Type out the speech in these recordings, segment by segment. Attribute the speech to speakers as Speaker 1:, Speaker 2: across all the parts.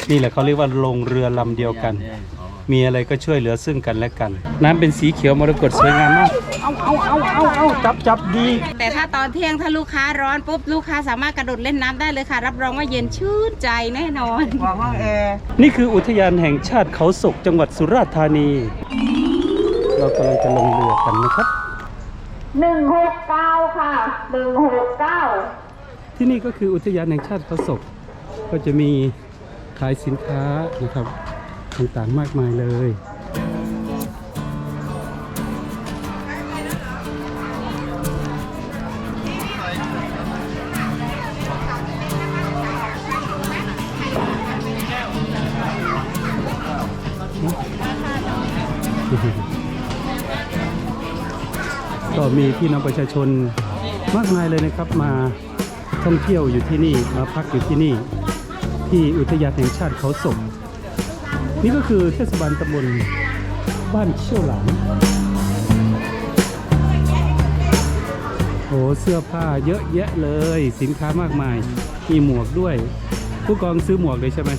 Speaker 1: นี่แหละเขาเรียกว่าลงเรือลำเดียวกันมีอะไรก็ช่วยเหลือซึ่งกันและกันน้ำเป็นสีเขียวมรกตสวยงามมากเอาจับดี
Speaker 2: แต่ถ้าตอนเที่ยงถ้าลูกค้าร้อนปุ๊บลูกค้าสามารถกระโดดเล่นน้ำได้เลยค่ะรับรองว่าเย็นชื่นใจแน่นอน
Speaker 3: วางห้องแอร์
Speaker 1: นี่คืออุทยานแห่งชาติเขาศกจังหวัดสุราษฎร์ธานีเรากำลังจะลงเรือกันนะครับ
Speaker 2: 169ค่ะ169
Speaker 1: ที่นี่ก็คืออุทยานแห่งชาติเขาศกก็จะมีขายสินค้านะครับต่างๆมากมายเลยก็มีพี่น้องประชาชนมากมายเลยนะครับมาท่องเที่ยวอยู่ที่นี่มาพักอยู่ที่นี่ที่อุทยานแห่งชาติเขาศกนี่ก็คือเทศบาลตำบลบ้านเชี่ยวหลานโอ้เสื้อผ้าเยอะแยะเลยสินค้ามากมายมีหมวกด้วยผู้กองซื้อหมวกเลยใช่ไหม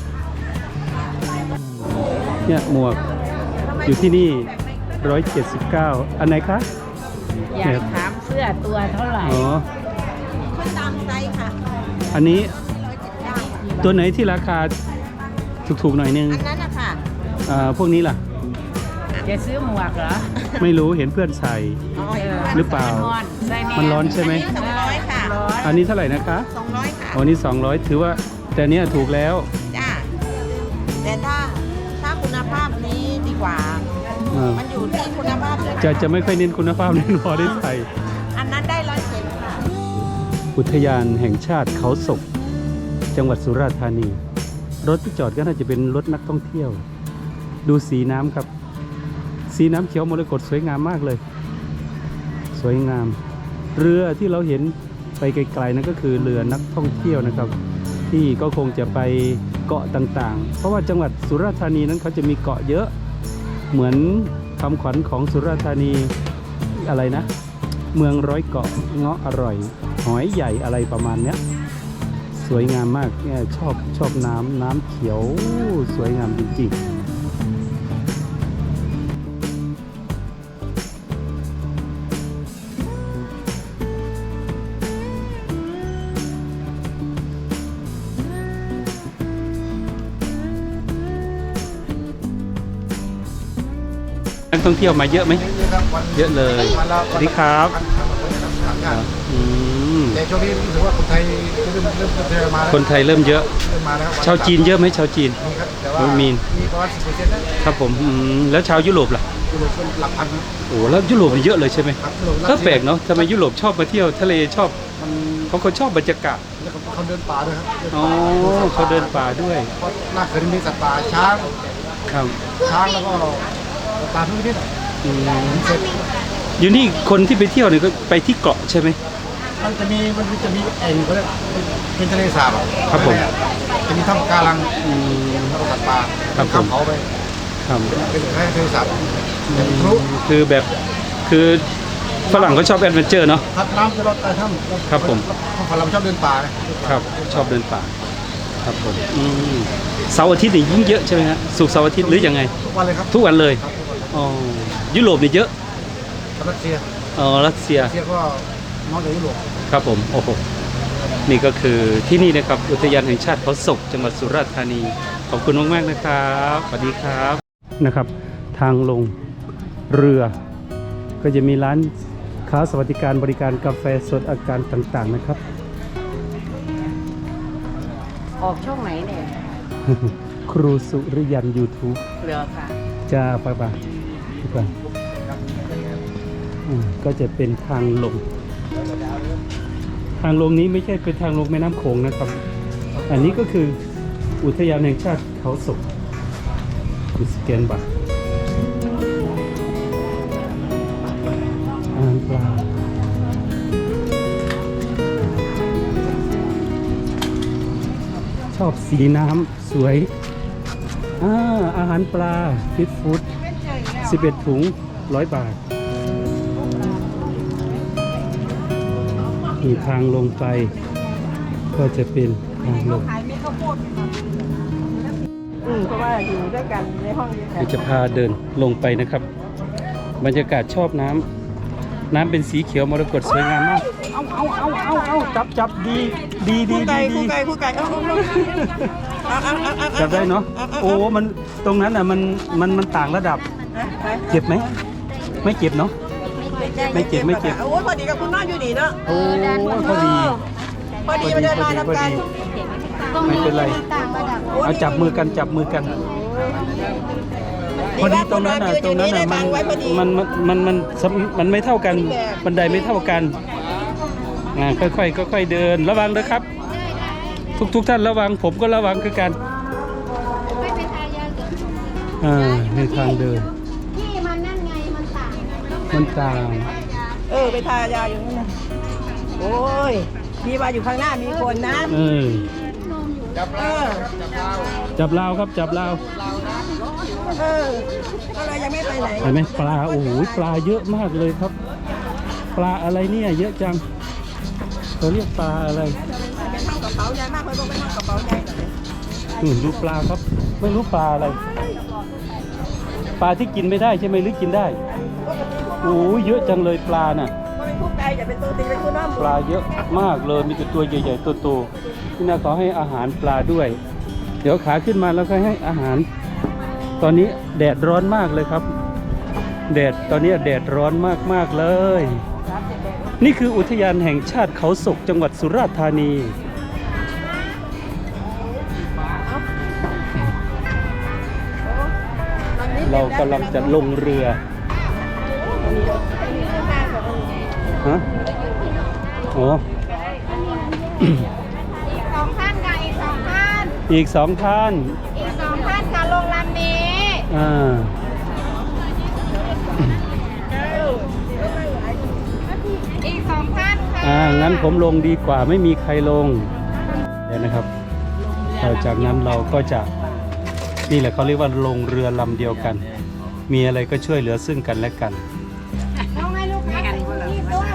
Speaker 1: เนี่ยหมวกอยู่ที่นี่179อันไหนคะ
Speaker 2: อยากถามเสื้อตัวเท่าไหร่
Speaker 1: อ๋อ
Speaker 2: ตามไซส์ค่ะ
Speaker 1: อันนี้ตัวไหนที่ราคาถูกๆหน่อยนึง
Speaker 2: อันนั้นนะคะ
Speaker 1: พวกนี้ล่ะ
Speaker 2: จะซื้อหมวกเหรอ
Speaker 1: ไม่รู้เห็นเพื่อนใส่หรือเปล่ามันร้อนใช่ไหม
Speaker 2: 200ค่ะ
Speaker 1: อันนี้เท่าไหร่นะคะ
Speaker 2: 200ค่ะ
Speaker 1: อันนี้200ถือว่าแต่เนี้ยถูกแล้ว
Speaker 2: จ้าแต่ถ้าคุณภาพนี้ดีกว่ามันอยู่ที่คุณภาพ
Speaker 1: จะไม่ค่อยเน้นคุณภาพเน้นพอได้ใส่
Speaker 2: อันนั้นได้170ค่ะ
Speaker 1: อุทยานแห่งชาติเขาศกจังหวัดสุราษฎร์ธานีรถที่จอดก็น่าจะเป็นรถนักท่องเที่ยวดูสีน้ำครับสีน้ำเขียวมรกตสวยงามมากเลยสวยงามเรือที่เราเห็นไปไกลๆนั่นก็คือเรือนักท่องเที่ยวนะครับที่ก็คงจะไปเกาะต่างๆเพราะว่าจังหวัดสุราษฎร์ธานีนั้นเขาจะมีเกาะเยอะเหมือนคำขวัญของสุราษฎร์ธานีอะไรนะเมืองร้อยเกาะเงาะอร่อยหอยใหญ่อะไรประมาณเนี้ยสวยงามมากเนี่ยชอบน้ำเขียวสวยงามจริงๆนักท่องเที่ยวมาเยอะไหมเยอะเลยสวัสดีครับ
Speaker 3: แต่ช่วงนี้รู้สึกว่าคนไทยเริ่มมาแล้ว
Speaker 1: คนไทยเริ่มเยอะชาวจีนเยอะไหมชาวจีนมี
Speaker 3: ประมาณ10%
Speaker 1: นะครับผมแล้วชาวยุโรปล่ะ
Speaker 3: ยุโรปหลักพัน
Speaker 1: โอ้แล้วยุโรปเยอะเลยใช่ไหมก็แปลกเนาะทำไมยุโรปชอบมาเที่ยวทะเลชอบเขาชอบบรรยากาศ
Speaker 3: แล้วเขาเดินป่าด้วยครับ
Speaker 1: อ๋อเขาเดินป่าด้วย
Speaker 3: หน้าเขื่อนมีสัตว์ป่าช้าง
Speaker 1: ครับ
Speaker 3: ช้างแล้วก็ตามทุกนิด
Speaker 1: อยู่นี่คนที่ไปเที่ยวเนี่ยก็ไปที่เกาะใช่ไหม
Speaker 3: มันจะมีเองเขาเรียกเป็นทะเลสาบ
Speaker 1: ครับผม
Speaker 3: จะมีถ้ำกาลังแล้วก็สัตว์ป่าข้ามเขาไป
Speaker 1: ครับ
Speaker 3: เป็นทะเลสาบ
Speaker 1: คือแบบคือฝรั่งเขาชอบแอดเวนเจอร์เนาะ
Speaker 3: ครับน้ำจะลดใต้ถ้ำ
Speaker 1: ครับผม
Speaker 3: ฝรั่งชอบเดินป่า
Speaker 1: ครับชอบเดินป่าครับผมเสาร์อาทิตย์นี่ยิ่งเยอะใช่ไหมฮะศุกร์เสาร์อาทิตย์หรือยังไง
Speaker 3: ทุกวันเลยครับ
Speaker 1: ทุกวันเลยอ๋อยุโรปนี่เยอะ
Speaker 3: รัสเซีย
Speaker 1: รัสเซีย
Speaker 3: ก็น้องจากยุโรป
Speaker 1: ครับผมโอ้โหนี่ก็คือที่นี่นะครับอุทยานแห่งชาติเขาศกจังหวัดสุราษฎร์ธานีขอบคุณมากๆนะครับสวัสดีครับนะครับทางลงเรือก็จะมีร้านค้าสวัสดิการบริการกาแฟสดอาการต่างๆนะครับ
Speaker 2: ออกช่องไหนเนี่ย
Speaker 1: ครูสุริยัน YouTube
Speaker 2: เหลือค่ะ
Speaker 1: จ้าป่ะก็จะเป็นทางลงนี้ไม่ใช่เป็นทางลงแม่น้ำโขงนะครับอันนี้ก็คืออุทยานแห่งชาติเขาศกสแกนบัตรอาหารปลาชอบสีน้ำสวยอาหารปลาฟิตฟู้ด11 ถุง100 บาทมีทางลงไปก็จะเป็นทางลง
Speaker 2: อยู่ด้วยกันในห้องเดียวกั
Speaker 1: เดี๋ยวจะพาเดินลงไปนะครับ บรรยากาศชอบน้ำน้ำเป็นสีเขียวมรกตสวยงามมากเอาจับดี
Speaker 2: คู่ไก่
Speaker 1: จับได้เนาะโอ้มันตรงนั้นอ่ะมันต่างระดับเจ็บไหมไม่เจ็บเนาะไม่เจ็บ
Speaker 2: โอ้ยพอดีกับคุณน้องอยู่ดีเนาะ
Speaker 1: โอ้พอดี
Speaker 2: มาเดินมาทำกัน
Speaker 1: ไม่เป็นไรเอาจับมือกันพอดีตรงนั้นอ่ะมันไม่เท่ากันบันไดไม่เท่ากันค่อยเดินระวังนะครับทุกท่านระวังผมก็ระวังคือกันในทางเดิน
Speaker 4: ที่มันนั่นไงมันต่าง
Speaker 2: ไปทายาอยู่นั่นนะโอ้ยมีว่าอยู่ข้างหน้ามีคนนะ
Speaker 1: จับลาวครับจับลาว
Speaker 2: ก็เลยยังไม่ไปไหน
Speaker 1: เห็นไหมปลาโอ้โหปลาเยอะมากเลยครับ ปลาอะไรเนี่ยเยอะจังเขาเรียกปลาอะไร
Speaker 2: เป็นห้องกระเป๋าใหญ่มากเลยบอกเป็นห้องกระเป๋าใหญ่
Speaker 1: ดูปลาครับไม่รู้ปลาอะไรปลาที่กินไม่ได้ใช่ไหมหรือกินได้โอ้เยอะจังเลยปลาน่ะปลาเยอะมากเลยมีแต่ตัวใหญ่ๆโตๆที่น่าขอให้อาหารปลาด้วยเดี๋ยวขาขึ้นมาแล้วก็ให้อาหารตอนนี้แดดร้อนมากเลยครับตอนนี้แดดร้อนมากๆเลยนี่คืออุทยานแห่งชาติเขาศกจังหวัดสุราษฎร์ธานีเรากำลังจะลงเรือฮะโอ้
Speaker 4: 2 ท่านค่ะอีก 2 ท่าน
Speaker 1: อีก 2 ท่าน
Speaker 4: ค่ะลงลำนี้อีก 2 ท่านค่ะ
Speaker 1: งั้นผมลงดีกว่าไม่มีใครลงเดี๋ยวนะครับจากนั้นเราก็จะนี่แหละเขาเรียกว่าลงเรือลำเดียวกันมีอะไรก็ช่วยเหลือซึ่งกันและกัน
Speaker 4: ต้องให้ลูกค้าใส่ชูชีพด้วย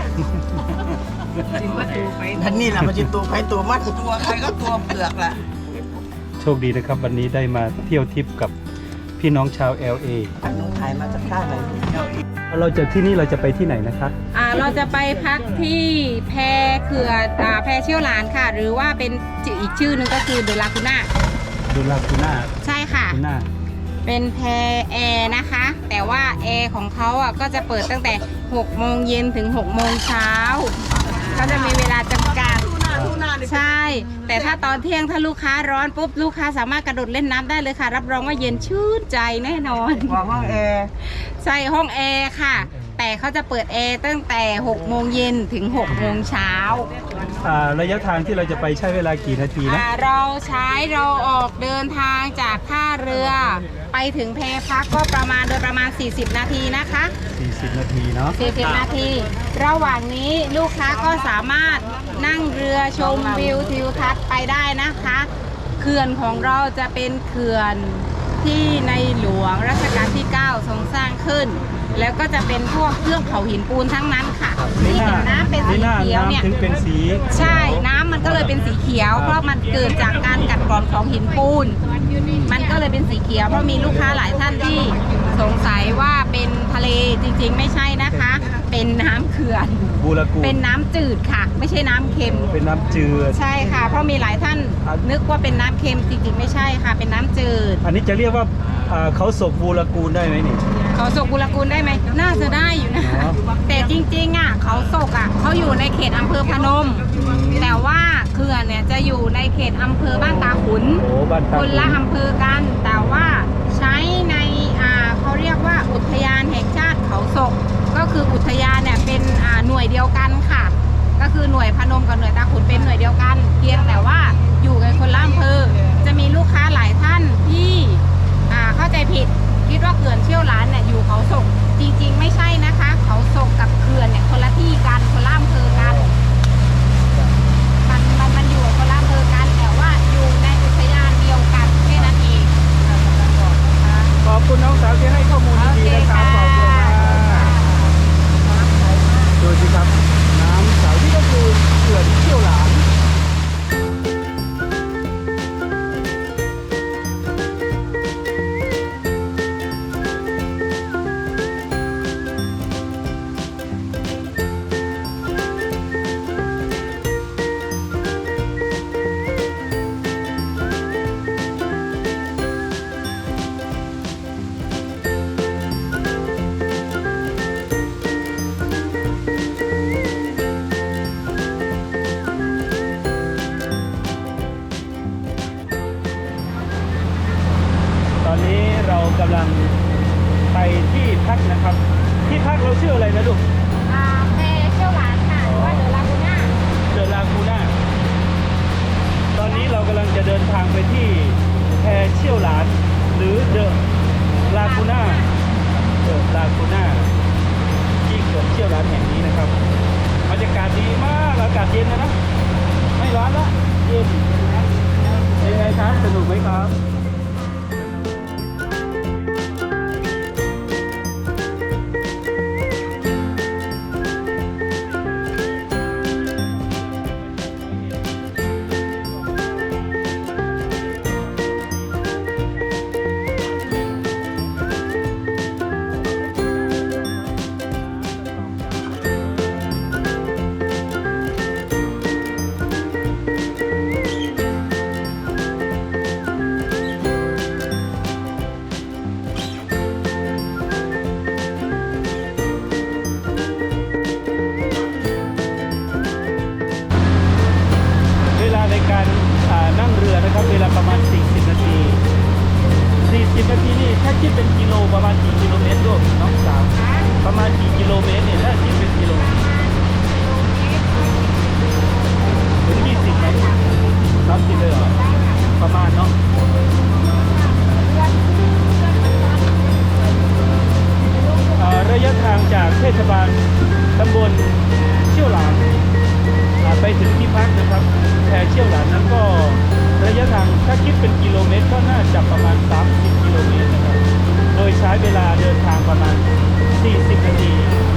Speaker 2: ท่านนี่แหละมันจะตัวใครตัวมันตัวใครก็ตัวเปลือกแหละ
Speaker 1: โชคดีนะครับวันนี้ได้มาเที่ยวทริปกับพี่น้องชาว LA
Speaker 2: น้องถ่ายมาจากท่าไหน
Speaker 1: เราจะที่นี่เราจะไปที่ไหนนะครับ
Speaker 4: เราจะไปพักที่แพเขื่อนแพเชี่ยวหลานค่ะหรือว่าเป็นอีกชื่อนึงก็คือเดลาคูน่าใช่ค่ะเป็นแพแอร์นะคะแต่ว่าแอร์ของเขาก็จะเปิดตั้งแต่6 โมงเย็นถึง6 โมงเช้าก็จะมีเวลาจำกัดใช่แต่ถ้าตอนเที่ยงถ้าลูกค้าร้อนปุ๊บลูกค้าสามารถกระโดดเล่นน้ำได้เลยค่ะรับรองว่าเย็นชื่นใจแน่นอน
Speaker 2: ห้องแอร์
Speaker 4: ใช่ห้องแอร์ค่ะแต่เขาจะเปิดแอร์ตั้งแต่6 โมงเย็นถึง6 โมงเช้า
Speaker 1: ระยะทางที่เราจะไปใช้เวลากี่นาทีนะ
Speaker 4: เราออกเดินทางจากท่าเรือไปถึงแพพักก็ประมาณ40 นาทีนะคะ
Speaker 1: 40 นาทีเนาะ
Speaker 4: 40 นาทีระหว่างนี้ลูกค้าก็สามารถนั่งเรือชมวิวทิวทัศน์ไปได้นะคะเขื่อนของเราจะเป็นเขื่อนที่ในหลวงรัชกาลที่9ทรงสร้างขึ้นแล้วก็จะเป็นพวกเครื่องเผาหินปูนทั้งนั้นค่ะนี่เห็นน้ำเป็นสีเขียวเนี่ย
Speaker 1: ถึงเป็นสี
Speaker 4: ใช่น้ำมันก็เลยเป็นสีเขียวเพราะมันเกิดจากการกัดกร่อนของหินปูนมันก็เลยเป็นสีเขียวเพราะมีลูกค้าหลายท่านที่สงสัยว่าเป็นทะเลจริงๆไม่ใช่นะคะเป็นน้ำเขื่อนเป็นน้ำจืดค่ะไม่ใช่น้ำเค็ม
Speaker 1: เป็นน้ำจืด
Speaker 4: ใช่ค่ะเพราะมีหลายท่านนึกว่าเป็นน้ำเค็มจริงๆไม่ใช่ค่ะเป็นน้ำจืด
Speaker 1: อันนี้จะเรียกว่าเขาศกบูรกูลได้ไหมนี่
Speaker 4: เขาศกบูรกูลได้ไหมน่าจะได้อยู่นะแต่จริงๆเขาศกเขาอยู่ในเขตอำเภอพนมแต่ว่าเขื่อนเนี่ยจะอยู่ในเขตอำเภอบ้านตาขุนคนละอำเภอกันแต่ว่าใช้ในเขาเรียกว่าอุทยานแห่งชาติเขาศกก็คืออุทยานเนี่ยเป็นหน่วยเดียวกันค่ะก็คือหน่วยพนมกับหน่วยตาขุนเป็นหน่วยเดียวกันเพียงแต่ว่าอยู่กันคนละอำเภอจะมีลูกค้าหลายท่านที่เข้าใจผิดคิดว่าเขื่อนเชี่ยวหลานเนี่ยอยู่เขาศกจริงๆไม่ใช่นะคะเขาศกกับเขื่อนเนี่ยคนละที่กันคนละอำเภอกันมันอยู่คนละอำเภอกันแต่ว่าอยู่ในอุทยานเดียวกันแค่นั้นเอง
Speaker 1: ขอบคุณน้องสาวที่ให้ข้อมูลดีๆนะครับขอบคุณมากดูสิครับน้ำใสที่ก็คือเขื่อนเชี่ยวหลานอนนี้เรากำลังไปที่พักนะครับ ที่พักเราชื่ออะไรนะลูก
Speaker 4: แพเชี่ยวหลานค่ะหรือว่าเดอะลากูน่า
Speaker 1: เดอะลากูน่า ตอนนี้เรากำลังจะเดินทางไปที่แพเชี่ยวหลาน หรือเดอะลากูน่า เดอะลากูน่าที่เขื่อนเชี่ยวหลานแห่งนี้นะครับ บรรยากาศดีมาก อากาศเย็นนะ ไม่ร้อนละเย็นเป็นไงครับ สนุกไหมครับ เวลาในการนั่งเรือนะครับ เวลาประมาณ 40 นาที 40 นาทีนี่ถ้าคิดเป็นกิโลประมาณกี่กิโลเมตรด้วยน้องสาว ประมาณกี่กิโลเมตรเนี่ยถ้าคิดเป็นกิโลถึง20ไหม30เลยเหรอ ประมาณเนาะระยะทางจากเทศบาลตำบลเชี่ยวหลานไปถึงที่พักนะครับแพเชี่ยวหลานนั้นก็ระยะทางถ้าคิดเป็นกิโลเมตรก็น่าจะประมาณ30กิโลเมตรนะครับโดยใช้เวลาเดินทางประมาณ40 นาที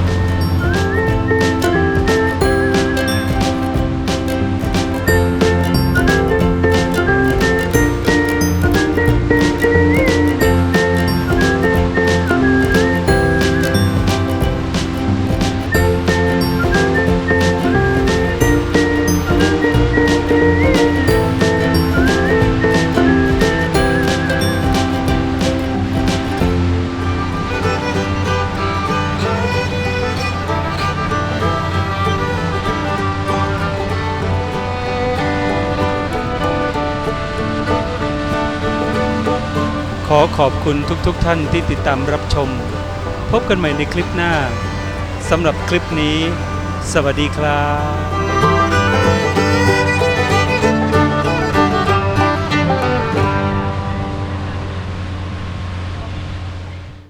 Speaker 1: ขอขอบคุณทุกท่านที่ติดตามรับชม พบกันใหม่ในคลิปหน้า สำหรับคลิปนี้ สวัสดีครับ